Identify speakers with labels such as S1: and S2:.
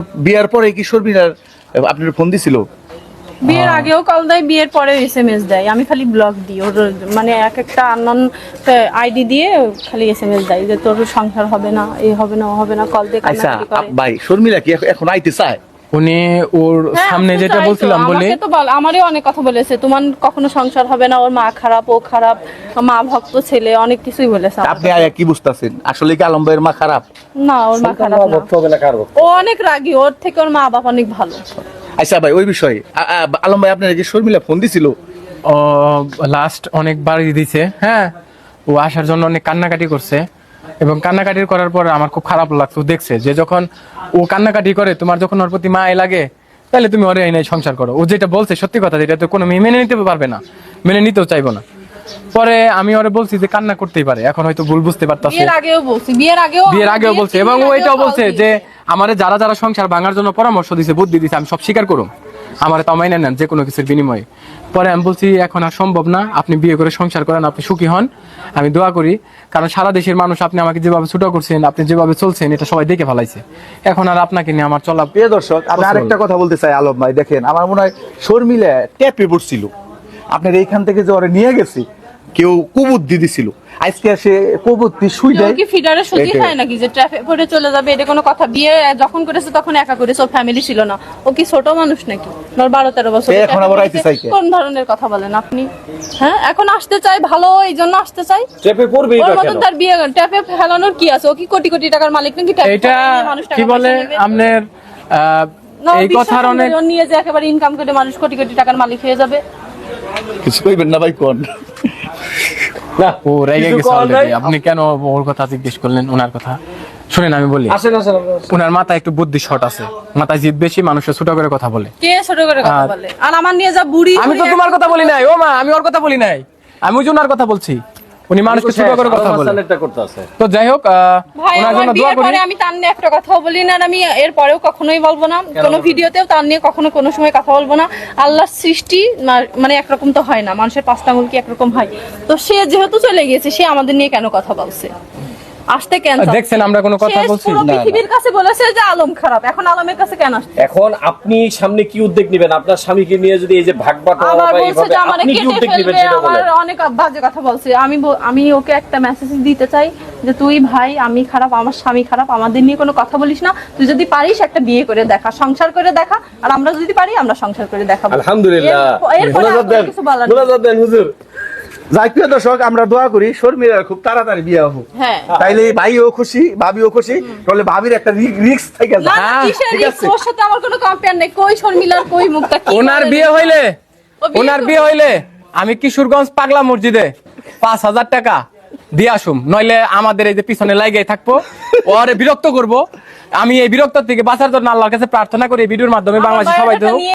S1: বিয়ার পরে কি শর্মিলার আপনার ফোন দিছিল?
S2: বিয়ের আগেও কল দেয়, বিয়ের পরে এসএমএস দেয়। আমি খালি ব্লক দিই ওর, মানে এক একটা আননোন আইডি দিয়ে খালি এসএমএস দেয় যে তোর সংসার হবে না, এই হবে না, ও হবে না, কল দিয়ে
S1: আচ্ছা
S2: কান্নাকাটি করে।
S1: ভাই শর্মিলা কি এখন আইতে চায়?
S3: উনি ওর
S2: হ্যাঁ,
S3: সামনে
S2: আসতে
S3: যেটা
S2: চাই তো।
S3: বলছিলাম বলে
S2: আমাকে তো আমারই অনেক কথা বলেছে, তোমার কখনো সংসার হবে না, ওর মা খারাপ, ও খারাপ, মা ভক্ত ছেলে, অনেক কিছুই বলেছে আমাকে।
S1: আপনি আয়া কি বুঝতাছেন আসলে কি আলম ভাইয়ের মা খারাপ?
S2: না, ওর মা খারাপ না, ও অনেক রাগী, ওর থেকে ওর মা বাবা অনেক ভালো।
S1: আচ্ছা ভাই ওই বিষয়ে আলম ভাই আপনার কি শর্মিলা ফোন দিছিল?
S3: ও লাস্ট অনেকবার দিছে। হ্যাঁ, ও আসার জন্য অনেক কান্নাকাটি করছে এবং কান্নাকাটি করার পর আমার খুব খারাপ লাগছে। ও দেখছে যে যখন ও কান্নাকাটি করে, তোমার যখন ওর প্রতি মায় লাগে, তাহলে তুমি ওরে এই সংসার করো। ও যেটা বলছে সত্যি কথা, যেটা তো কোনো মেয়ে মেনে নিতে পারবে না, মেনে নিতেও চাইবো না। পরে আমি ওরে বলছি যে কান্না করতেই পারে, এখন হয়তো ভুল বুঝতে পারতাছে।
S2: বিয়ের আগেও বলছি
S3: এবং ও এটাও বলছে যে আমারে যারা যারা সংসার ভাঙার জন্য পরামর্শ দিছে, বুদ্ধি দিছে, আমি সব স্বীকার করুম, আমার তা মাইনে নেন যে কোনো কিছুর বিনিময়ে। পরে আমি বলছি এখন আর সম্ভব না, আপনি বিয়ে করে সংসার করেন, আপনি সুখী হন, আমি দোয়া করি। কারণ সারা দেশের মানুষ আপনি আমাকে যেভাবে ছোট করছেন, আপনি যেভাবে চলছেন, এটা সবাই দেখে ফেলাইছে। এখন আর আপনাকে নিয়ে আমার চলা।
S1: প্রিয় দর্শক, আমি আরেকটা কথা বলতে চাই আলম ভাই, দেখেন আমার মনে হয় শর্মিলা ট্যাপে পড়ছিল, আপনার এইখান থেকে যে ওরে নিয়ে গেছে কেউ কুবুদ্ধি দিছিল, আজকে সে কুবুদ্ধি শুই দেয়।
S2: কি ফিডারে সুজি খায় নাকি যে ট্রাফিক পড়ে চলে যাবে? এটা কোনো কথা? বিয়ে যখন করেছে তখন একা করেছে, ওর ফ্যামিলি ছিল না। ও কি ছোট মানুষ নাকি? ওর 12-13 বছর।
S1: এখন আবার আইতে চাই কে?
S2: কোন ধরনের কথা বলেন আপনি? হ্যাঁ, এখন আসতে চাই, ভালো এই জন্য আসতে চাই।
S4: চেপে পড়বেই
S2: ওর
S4: বা
S2: মতন
S4: কেন?
S2: তার বিয়ে ট্যাপে ফেলানোর কি আছে? ও কি কোটি কোটি টাকার মালিক নাকি? ট্যাপে
S3: এটা
S2: ফেলানোর মানুষ টাকা
S3: কি বলে
S2: পয়সা নেবে?
S3: আপনার
S2: না,
S3: এই কথার অনেক
S2: ও নিয়ে যে একেবারে ইনকাম করে মানুষ কোটি কোটি টাকার মালিক হয়ে যাবে।
S1: কিছু কইবেন না ভাই কোন?
S4: না,
S3: ও রেগে
S4: কিছু
S3: গেছে
S4: করার নাই।
S3: already। আপনি কেন ওর কথা জিজ্ঞেস করলেন? ওনার কথা শুনেন, আমি বলি,
S4: আসেন আসেন আপনারা আসেন।
S3: ওনার মাথায় একটু বুদ্ধি শর্ট আছে, মাথায় জিদ বেশি, মানুষের ছোট করে কথা বলে।
S2: কে ছোট করে কথা বলে? আর আমার নিয়ে যা বুড়ি।
S3: আমি তো তোমার কথা বলি নাই, ও মা, আমি ওর কথা বলি নাই, আমি ওই জন্য ওনার কথা বলছি। উনি মানুষকে ছোট করে কথা বলে।
S4: মাসালেরটা করতেছে।
S3: তো যাই হোক,
S2: ভাই,
S3: ওনার
S2: আমার
S3: জন্য দোয়া
S2: বিয়ের
S3: করি।
S2: পরে আমি তার নিয়ে একটা কথাও বলি না, আর আমি এর পরেও কখনোই বলবো না, কোনো ভিডিওতেও তার নিয়ে কখনো কোনো সময় কথা বলবো না। আল্লাহর সৃষ্টি মানে একরকম তো হয় না, মানুষের 5টা আঙুল কি একরকম হয়? তো সে যেহেতু চলে গেছে, সে আমাদের নিয়ে কেন কথা বলছে? আসতে কেন?
S3: দেখছেন আমরা কোনো কথা
S2: সে
S3: বলছি
S2: পুরো
S3: না।
S2: পৃথিবীর কাছে বলেছে যে আলম খারাপ, এখন আলমের কাছে কেন আসছে?
S4: এখন আপনি সামনে কি উদ্যোগ নেবেন? আপনার স্বামীকে নিয়ে যদি এই যে ভাগ বাটোয়ারা
S2: আবার
S4: বা
S2: বলছে
S4: এইভাবে
S2: যে আমারে
S4: আপনি কি
S2: কেটে
S4: উদ্যোগ নেবেন
S2: ফেলবে,
S4: সেটা
S2: আমার
S4: বলেন।
S2: অনেক বাজে কথা বলছে। আমি ওকে একটা মেসেজ দিতে চাই যে তুই ভাই, আমি খারাপ, আমার স্বামী খারাপ, আমাদের নিয়ে কোনো কথা বলিস না। তুই যদি পারিস একটা বিয়ে করে দেখা, সংসার করে দেখা, আর আমরা যদি পারি আমরা সংসার করে দেখাবো।
S4: আলহামদুলিল্লাহ।
S2: এরপরে
S4: মোনাজাত দেন,
S2: কিছু বলার নেই।
S4: মোনাজাত দেন হুজুর।
S1: যাই প্রিয় দর্শক, আমরা দোয়া করি শর্মিলার খুব তাড়াতাড়ি বিয়ে হোক।
S2: হ্যাঁ।
S1: তাইলে ভাইও খুশি, ভাবিও খুশি, তাহলে ভাবির একটা রিস্ক থেকে
S2: না,
S1: যায়।
S2: না, কিসের
S1: ঠিক
S2: risk?
S1: আছে।
S2: ওর সাথে আমার কোনো কম্পেয়ার নেই। কই শর্মিলার, কই মুক্তা, কি
S3: ওনার
S2: বলে
S3: বিয়ে
S2: রে?
S3: হইলে,
S2: ও বিয়ে
S3: ওনার
S2: করবে।
S3: বিয়ে হইলে আমি কিশোরগঞ্জ পাগলা মসজিদে 5,000 টাকা দিয়ে আসুম, নইলে আমাদের এই যে পিছনে লাগাই থাকবো, ওরে বিরক্ত করব। আমি এই বিরক্ত থেকে বাঁচার জন্য আল্লাহর কাছে প্রার্থনা করি, এই ভিডিওর মাধ্যমে
S2: আমার
S3: বাংলাদেশের সবাই
S2: বায়োডাটা
S3: তো
S2: নিয়ে